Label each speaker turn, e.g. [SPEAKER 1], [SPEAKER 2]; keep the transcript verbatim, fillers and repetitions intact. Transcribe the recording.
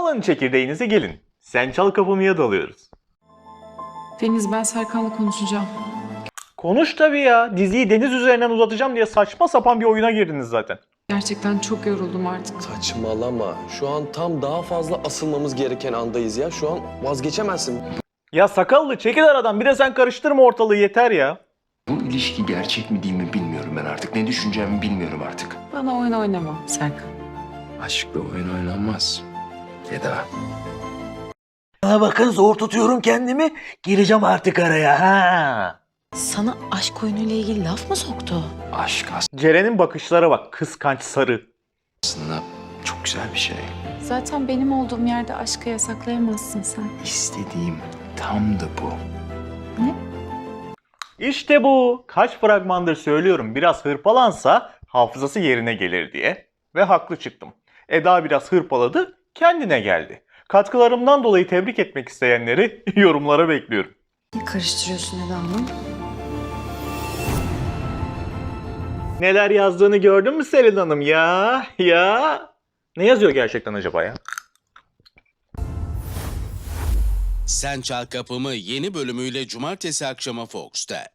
[SPEAKER 1] Alın çekirdeğinizi gelin. Sen Çal Kapımı'ya dalıyoruz.
[SPEAKER 2] Deniz, ben Serkan'la konuşacağım.
[SPEAKER 1] Konuş tabii ya. Diziyi deniz üzerinden uzatacağım diye saçma sapan bir oyuna girdiniz zaten.
[SPEAKER 2] Gerçekten çok yoruldum artık.
[SPEAKER 3] Saçmalama. Şu an tam daha fazla asılmamız gereken andayız ya. Şu an vazgeçemezsin.
[SPEAKER 1] Ya sakallı çekil aradan, bir de sen karıştırma ortalığı yeter ya.
[SPEAKER 4] Bu ilişki gerçek mi değil mi bilmiyorum ben artık. Ne düşüneceğimi bilmiyorum artık.
[SPEAKER 2] Bana oyun oynama Serkan.
[SPEAKER 4] Aşkla oyun oynanmaz. Eda.
[SPEAKER 5] Bana bakın, zor tutuyorum kendimi. Gireceğim artık araya ha.
[SPEAKER 6] Sana aşk oyunuyla ilgili laf mı soktu?
[SPEAKER 4] Aşk
[SPEAKER 1] Ceren'in bakışlara bak, kıskanç sarı.
[SPEAKER 4] aslında çok güzel bir şey.
[SPEAKER 2] Zaten benim olduğum yerde aşkı yasaklayamazsın sen.
[SPEAKER 4] İstediğim tam da bu.
[SPEAKER 1] İşte bu. Kaç fragmandır söylüyorum, biraz hırpalansa hafızası yerine gelir diye. Ve haklı çıktım. Eda biraz hırpaladı, kendine geldi. Katkılarımdan dolayı tebrik etmek isteyenleri yorumlara bekliyorum.
[SPEAKER 6] Ne karıştırıyorsun Eda Hanım?
[SPEAKER 1] Neler yazdığını gördün mü Selin Hanım ya? Ya? Ne yazıyor gerçekten acaba ya?
[SPEAKER 7] Sen Çal Kapımı yeni bölümüyle cumartesi akşamı Fox'ta.